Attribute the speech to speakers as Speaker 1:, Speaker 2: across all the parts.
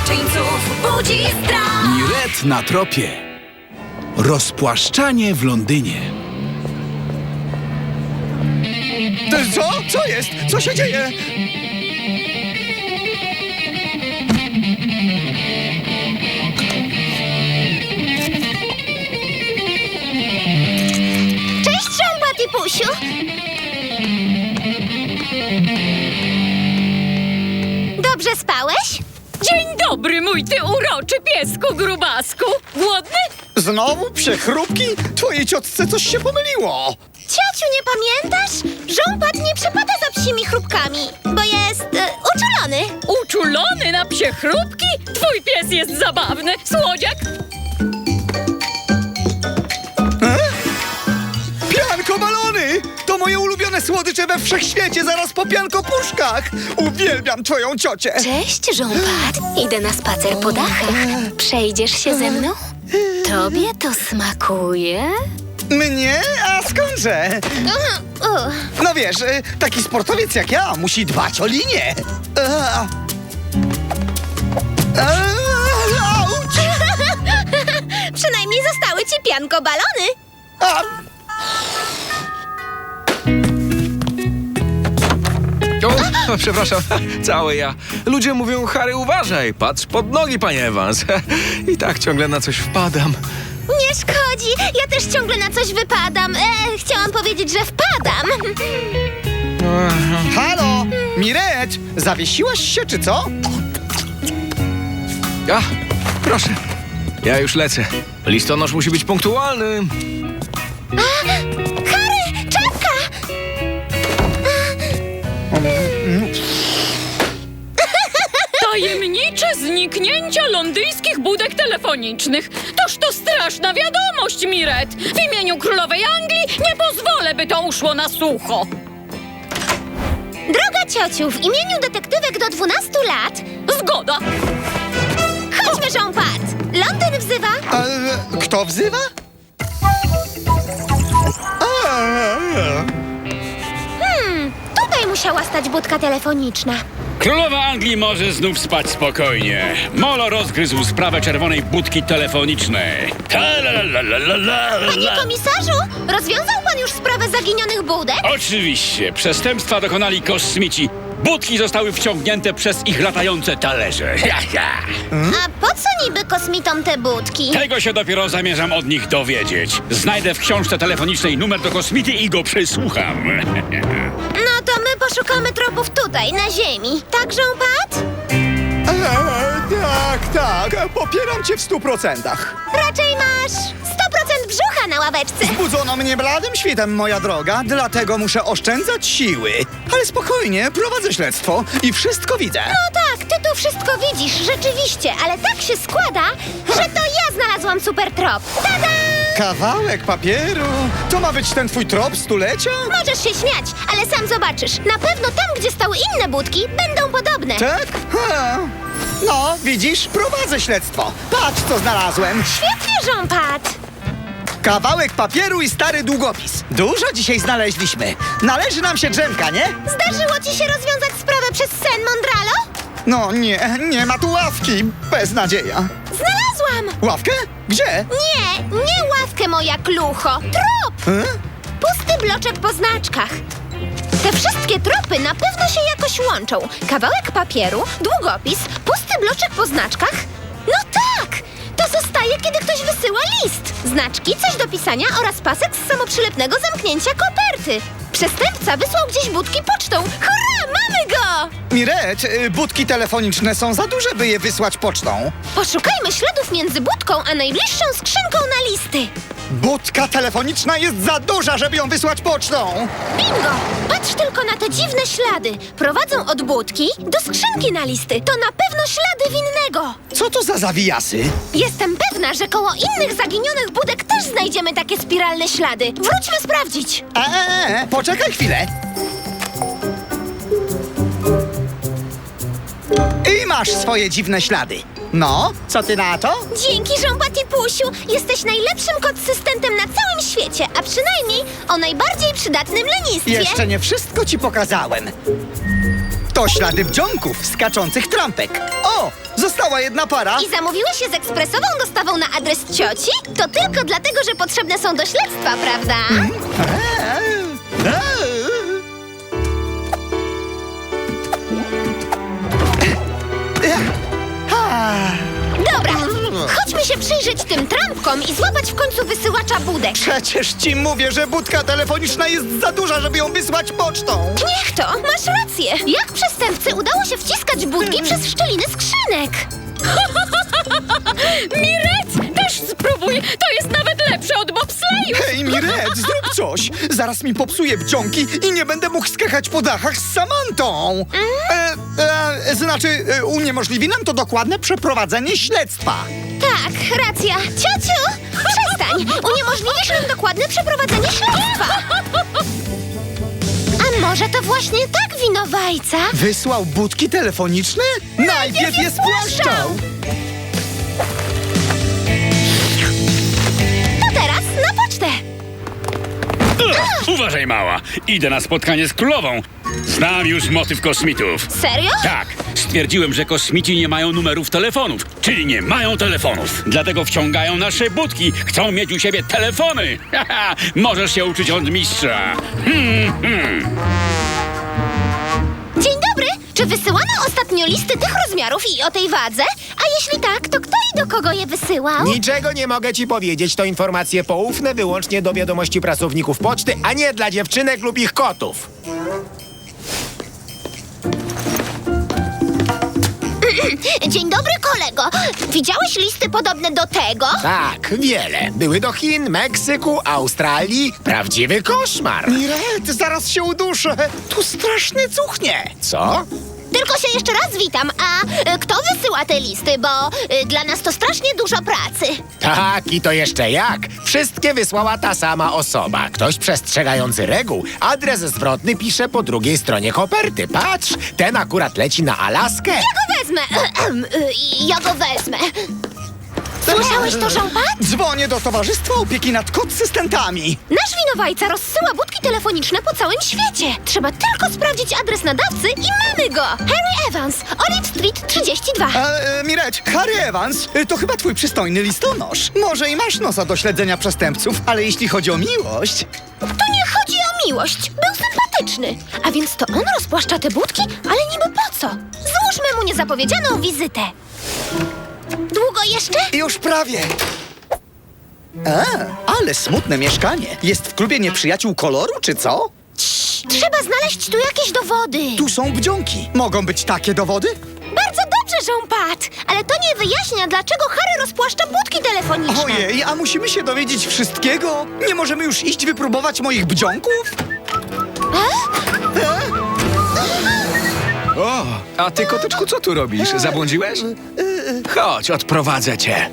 Speaker 1: złoczyńców budzi strach.
Speaker 2: Miret na tropie. Rozpłaszczanie w Londynie.
Speaker 3: Co? Co jest? Co się dzieje?
Speaker 4: Cześć, Żąba Tipusiu! Dobrze spałeś?
Speaker 1: Dzień dobry, mój ty uroczy piesku grubasku. Głodny?
Speaker 3: Znowu psie chrupki? Twojej ciotce coś się pomyliło.
Speaker 4: Ciociu, nie pamiętasz? Żąbat nie przepada za psimi chrupkami, bo jest uczulony.
Speaker 1: Uczulony na psie chrupki? Twój pies jest zabawny. Słodziak?
Speaker 3: Pianko balony! To moje ulubione słodycze we wszechświecie, zaraz po piankopuszkach! Uwielbiam twoją ciocię!
Speaker 5: Cześć, Żąpat. Idę na spacer po dachach. Przejdziesz się ze mną? Tobie to smakuje?
Speaker 3: Mnie? A skądże? No wiesz, taki sportowiec jak ja musi dbać o linię. Auć!
Speaker 4: Przynajmniej zostały ci pianko balony.
Speaker 3: A,
Speaker 6: O, przepraszam, cały ja. Ludzie mówią, Harry, uważaj, patrz pod nogi, panie Evans. I tak ciągle na coś wpadam.
Speaker 4: Nie szkodzi, ja też ciągle na coś wypadam. Chciałam powiedzieć, że wpadam.
Speaker 3: halo! Miret! Zawiesiłaś się, czy co?
Speaker 6: A, proszę, ja już lecę. Listonosz musi być punktualny.
Speaker 4: Harry, czapka!
Speaker 1: Tajemnicze zniknięcia londyńskich budek telefonicznych. Toż to straszna wiadomość, Miret. W imieniu królowej Anglii nie pozwolę, by to uszło na sucho.
Speaker 4: Droga ciociu, w imieniu detektywek do 12 lat
Speaker 1: Zgoda.
Speaker 4: chodźmy, Żąpat. Londyn wzywa.
Speaker 3: Kto wzywa?
Speaker 4: Tutaj musiała stać budka telefoniczna.
Speaker 7: Królowa Anglii może znów spać spokojnie. Molo rozgryzł sprawę czerwonej budki telefonicznej.
Speaker 4: Panie komisarzu, rozwiązał pan już sprawę zaginionych budek?
Speaker 7: Oczywiście, przestępstwa dokonali kosmici. Budki zostały wciągnięte przez ich latające talerze.
Speaker 4: A po co niby kosmitom te budki?
Speaker 7: Tego się dopiero zamierzam od nich dowiedzieć. Znajdę w książce telefonicznej numer do kosmity i go przysłucham.
Speaker 4: No to my poszukamy tropów tutaj, na ziemi. Tak, Żąpat?
Speaker 3: Tak, popieram cię w 100%.
Speaker 4: Raczej masz 100% brzucha na ławeczce.
Speaker 3: Budzono mnie bladym świtem, moja droga, dlatego muszę oszczędzać siły. Ale spokojnie, prowadzę śledztwo i wszystko widzę.
Speaker 4: No tak, ty tu wszystko widzisz, rzeczywiście, ale tak się składa, że to ja znalazłam super trop. Tada!
Speaker 3: Kawałek papieru? To ma być ten twój trop stulecia?
Speaker 4: Możesz się śmiać, ale sam zobaczysz. Na pewno tam, gdzie stały inne budki, będą podobne.
Speaker 3: Tak? No, widzisz, prowadzę śledztwo. Patrz, co znalazłem.
Speaker 4: Świetnie, Żąpat.
Speaker 3: Kawałek papieru i stary długopis. Dużo dzisiaj znaleźliśmy. Należy nam się drzemka, nie?
Speaker 4: Zdarzyło ci się rozwiązać sprawę przez sen Mondralo?
Speaker 3: No nie ma tu ławki. Beznadzieja.
Speaker 4: Znalazłam!
Speaker 3: Ławkę? Gdzie?
Speaker 4: Nie ławkę, moja klucho. Trop! Pusty bloczek po znaczkach. Te wszystkie tropy na pewno się jakoś łączą. Kawałek papieru, długopis, pusty bloczek po znaczkach. No tak! To zostaje, kiedy ktoś wysyła list. Znaczki, coś do pisania oraz pasek z samoprzylepnego zamknięcia koperty. Przestępca wysłał gdzieś budki pocztą. Hurra, mamy go!
Speaker 3: Miret, budki telefoniczne są za duże, by je wysłać pocztą.
Speaker 4: Poszukajmy śladów między budką a najbliższą skrzynką na listy.
Speaker 3: Budka telefoniczna jest za duża, żeby ją wysłać pocztą.
Speaker 4: Bingo! Patrz tylko na te dziwne ślady. Prowadzą od budki do skrzynki na listy. To na pewno ślady winnego.
Speaker 3: Co to za zawijasy?
Speaker 4: Jestem pewna, że koło innych zaginionych budek też znajdziemy takie spiralne ślady. Wróćmy sprawdzić.
Speaker 3: Poczekaj chwilę. I masz swoje dziwne ślady. No, co ty na to?
Speaker 4: Dzięki, Żąbatipusiu. Jesteś najlepszym kod-systentem na całym świecie, a przynajmniej o najbardziej przydatnym lenistwie.
Speaker 3: Jeszcze nie wszystko ci pokazałem. To ślady wdziąków skaczących trampek. O, została jedna para.
Speaker 4: I zamówiłeś się z ekspresową dostawą na adres cioci? To tylko dlatego, że potrzebne są do śledztwa, prawda? Dobra, chodźmy się przyjrzeć tym trampkom i złapać w końcu wysyłacza budek.
Speaker 3: Przecież ci mówię, że budka telefoniczna jest za duża, żeby ją wysłać pocztą.
Speaker 4: Niech to, masz rację. Jak przestępcy udało się wciskać budki przez szczeliny skrzynek?
Speaker 1: Miret, też spróbuj! To jest nawet lepsze od bobsleju!
Speaker 3: Hej, Miret, zrób coś! Zaraz mi popsuje wdziąki i nie będę mógł skakać po dachach z Samantą. Uniemożliwi nam to dokładne przeprowadzenie śledztwa.
Speaker 4: Tak, racja. Ciociu, przestań. Uniemożliwisz nam dokładne przeprowadzenie śledztwa. A może to właśnie tak winowajca?
Speaker 3: Wysłał budki telefoniczne? Najpierw je spłaszczał!
Speaker 4: To teraz na pocztę.
Speaker 7: Uważaj, mała. Idę na spotkanie z królową. Znam już motyw kosmitów.
Speaker 4: Serio?
Speaker 7: Tak, stwierdziłem, że kosmici nie mają numerów telefonów, czyli nie mają telefonów. Dlatego wciągają nasze budki, chcą mieć u siebie telefony. Haha, możesz się uczyć od mistrza.
Speaker 4: Dzień dobry. Czy wysyłano ostatnio listy tych rozmiarów i o tej wadze? A jeśli tak, to kto i do kogo je wysyłał?
Speaker 8: Niczego nie mogę ci powiedzieć. To informacje poufne wyłącznie do wiadomości pracowników poczty, a nie dla dziewczynek lub ich kotów.
Speaker 4: Dzień dobry, kolego. Widziałeś listy podobne do tego?
Speaker 8: Tak, wiele. Były do Chin, Meksyku, Australii. Prawdziwy koszmar.
Speaker 3: Miret, zaraz się uduszę! Tu strasznie cuchnie!
Speaker 8: Co?
Speaker 4: Tylko się jeszcze raz witam. A kto wysyła te listy? Bo dla nas to strasznie dużo pracy.
Speaker 8: Tak, i to jeszcze jak. Wszystkie wysłała ta sama osoba. Ktoś przestrzegający reguł. Adres zwrotny pisze po drugiej stronie koperty. Patrz, ten akurat leci na Alaskę.
Speaker 4: Ja go wezmę. Ja go wezmę. Słyszałeś to, Jean-Pat?
Speaker 3: Dzwonię do Towarzystwa Opieki nad Kodsystentami.
Speaker 4: Nasz winowajca rozsyła budki telefoniczne po całym świecie. Trzeba tylko sprawdzić adres nadawcy i mamy go. Harry Evans, Olive Street 32.
Speaker 3: Miret, Harry Evans, to chyba twój przystojny listonosz. Może i masz nosa do śledzenia przestępców, ale jeśli chodzi o miłość...
Speaker 4: To nie chodzi o miłość. Był sympatyczny. A więc to on rozpłaszcza te budki? Ale niby po co? Złóżmy mu niezapowiedzianą wizytę. Długo jeszcze?
Speaker 3: Już prawie. Ale smutne mieszkanie. Jest w klubie nieprzyjaciół koloru, czy co?
Speaker 4: Trzeba znaleźć tu jakieś dowody.
Speaker 3: Tu są wdziąki. Mogą być takie dowody?
Speaker 4: Bardzo dobrze, Jean-Pat. Ale to nie wyjaśnia, dlaczego Harry rozpłaszcza budki telefoniczne.
Speaker 3: Ojej, a musimy się dowiedzieć wszystkiego? Nie możemy już iść wypróbować moich wdziąków?
Speaker 6: O, a ty, kotyczku, co tu robisz? Zabłądziłeś? Chodź, odprowadzę cię.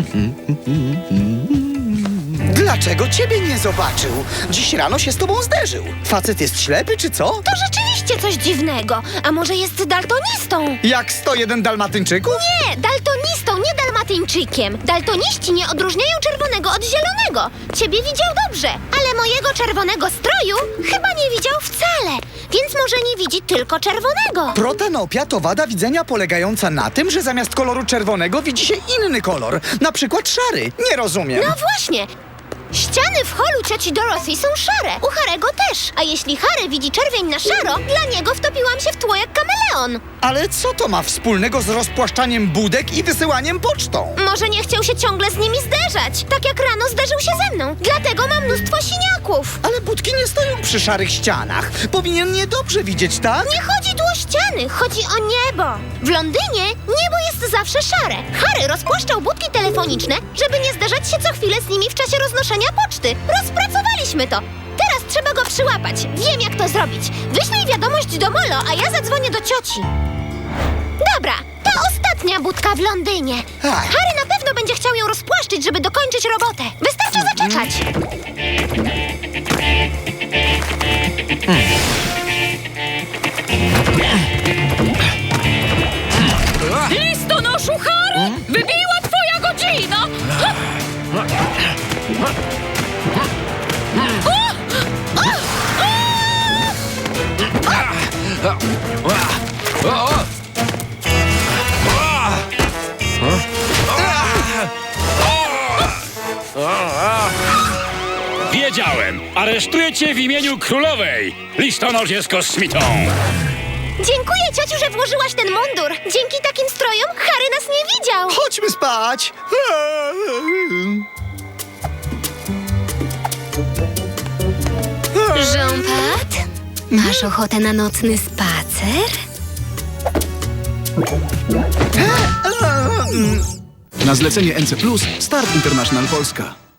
Speaker 3: Dlaczego ciebie nie zobaczył? Dziś rano się z tobą zderzył. Facet jest ślepy, czy co?
Speaker 4: To rzeczywiście coś dziwnego. A może jest daltonistą?
Speaker 3: Jak 101 dalmatyńczyków?
Speaker 4: Nie, daltonistą, nie dalmatyńczykiem. Daltoniści nie odróżniają czerwonego od zielonego. Ciebie widział dobrze, ale mojego czerwonego stroju chyba nie widział wcale. Więc może nie widzi tylko czerwonego.
Speaker 3: Protanopia to wada widzenia polegająca na tym, że zamiast koloru czerwonego widzi się inny kolor. Na przykład szary. Nie rozumiem.
Speaker 4: No właśnie. Ściany w holu cioci Dorothy są szare. U Harego też. A jeśli Harry widzi czerwień na szaro, dla niego wtopiłam się w tło jak kameleon.
Speaker 3: Ale co to ma wspólnego z rozpłaszczaniem budek i wysyłaniem pocztą?
Speaker 4: Może nie chciał się ciągle z nimi zderzać. Tak jak rano zderzył się ze mną. Dlatego mam mnóstwo siniaków.
Speaker 3: Ale budki nie stoją przy szarych ścianach. Powinien je dobrze widzieć, tak?
Speaker 4: Nie chodzi tu o ściany, chodzi o niebo. W Londynie niebo jest zawsze szare. Harry rozpłaszczał budki telefoniczne, żeby nie zderzać się co chwilę z nimi w czasie roznoszenia poczty. Rozpracowaliśmy to. Teraz trzeba go przyłapać. Wiem, jak to zrobić. Wyślij wiadomość do Molo, a ja zadzwonię do cioci. Dobra, to ostatnia budka w Londynie.
Speaker 3: Ach.
Speaker 4: Harry na pewno będzie chciał ją rozpłaszczyć, żeby dokończyć robotę. Wystarczy zaczekać.
Speaker 1: Listonoszu Harry! Wybiła twoja godzina!
Speaker 7: Wiedziałem! Aresztuję cię w imieniu królowej! Listonosz jest kosmitą!
Speaker 4: Dziękuję, ciociu, że włożyłaś ten mundur. Dzięki takim strojom Harry nas nie widział.
Speaker 3: Chodźmy spać.
Speaker 5: Jean-Pat, masz ochotę na nocny spacer?
Speaker 2: Na zlecenie NC+, Start International Polska.